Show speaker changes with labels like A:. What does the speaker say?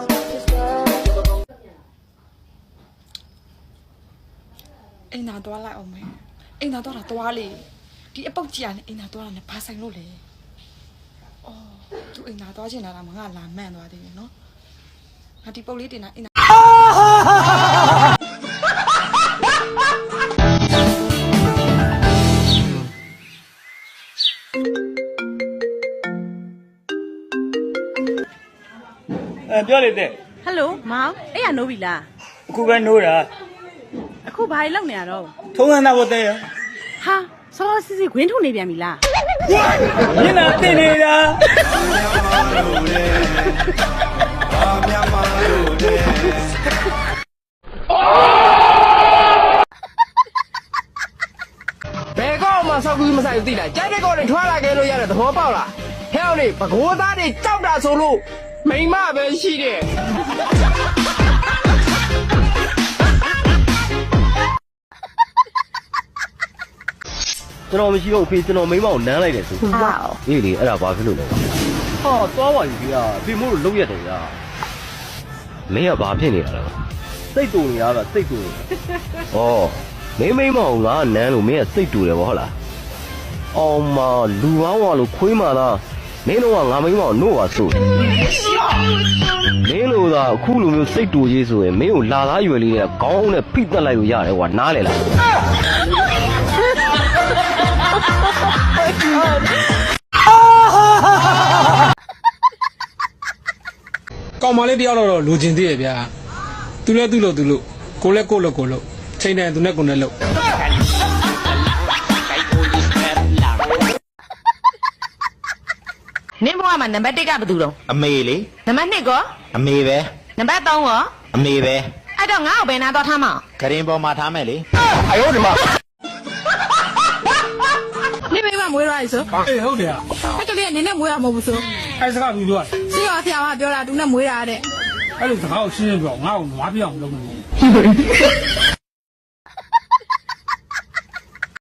A: အိမ်သာသွားလိုက်အောင်မယ်အိမ်သာသွားတာသွားလေဒီအပုတ်ကြီးကနေအိမ်သာသွားတာနဲ့ဘာဆိုင်လို့လဲအော်သူအိမ်သာသွားချင်တာကငါလာမှန်သွားသေးတယ်နော်ငါဒီပုတ်လေးတင်တာအိမ်သာ
B: ပြောလေတဲ့
C: ဟယ်လိုမောင်အဲ့ရနိုးပြီလား
B: အခုပဲနိုးတာ
C: အခုဘာလုပ်နေရတော့
B: ထုံးစံသားဘတဲ့ရ
C: ဟာစောစီစီခွင်းထုတ်နေပြန်ပြီလား
B: မျက်နှာတင်နေတာ
D: ဘယ်ကောက်မှဆောက်ကူးမဆိုင်ဘူးသိလားကြိုက်တဲ့ကောက်တွေထွားလာခဲ့လို့ရတယ်သဘောပေါက်လားဟဲ့အောင်လေဘကိုးသားတွေကြောက်တာဆိုလို့မိမပဲရှိတယ်
E: ကျွန်တော်မရှိတော့ဖေးကျွန်တော်မိမကိုနမ်းလိုက်တယ်ဆိုဟုတ်ပါအေးလေအဲ့ဒါဘာဖြစ်လို့လဲဟာသွားပါပြီဖေးဖေးမို့လို့လုံးရက်တယ်ဗျာမင်းကဘာဖြစ်နေတာလဲစိတ်တူနေတာကစိတ်တူနေဩမိမကိုငါနမ်းလို့မင်းကစိတ်တူတယ်ဗောဟုတ်လားအောင်မလူပေါင်းဝါလို့ခွေးမာလားမင်းတို့ကငါမိမကိုနှုတ်ပါဆိုမင်းတို့ကအခုလိုမျိုးစိတ်တူကြီးဆိုရင်မင်းကိုလာသားရွယ်လေးနဲ့ခေါင်းနဲ့ဖိတက်လိုက်လို့ရတယ်ကွာနားလေလား
F: ကောင်မလေးတယောက်တော့လူချင်းသေးရဲ့ဗျာသူလဲသူ့လို့ကိုလဲကိုလို့ချိန်တယ်သူနဲ့ကိုနဲ့လို့
C: နင်းဘွားမှာနံပါတ်1ကဘယ်သူတော့
G: အမေလေ
C: နံပါတ်2ကော
G: အမေပဲ
C: နံပါတ်3ကော
G: အမေပဲ
C: အဲ့တော့ငါ့ကိုဘယ်နာတော့ထားမအောင်
G: ဂရင်ပေါ်မှာထားမယ်လေ
D: အယောဒီမှာ
H: နေမိမမွေးရည်ဆို
F: အေးဟုတ်တယ်
H: အဲ့ကလေးကနေနဲ့မွေးရမဟုတ်ဘူးဆို
F: အဲ့စကားပြီးပြော
H: စီရောဆရာမပြောတာသူနဲ့မွေးရတဲ့
F: အဲ့လိုစကားကိုရှင်းရှင်းပြောငါ့ကိုနွားပြအောင်လုပ်နေ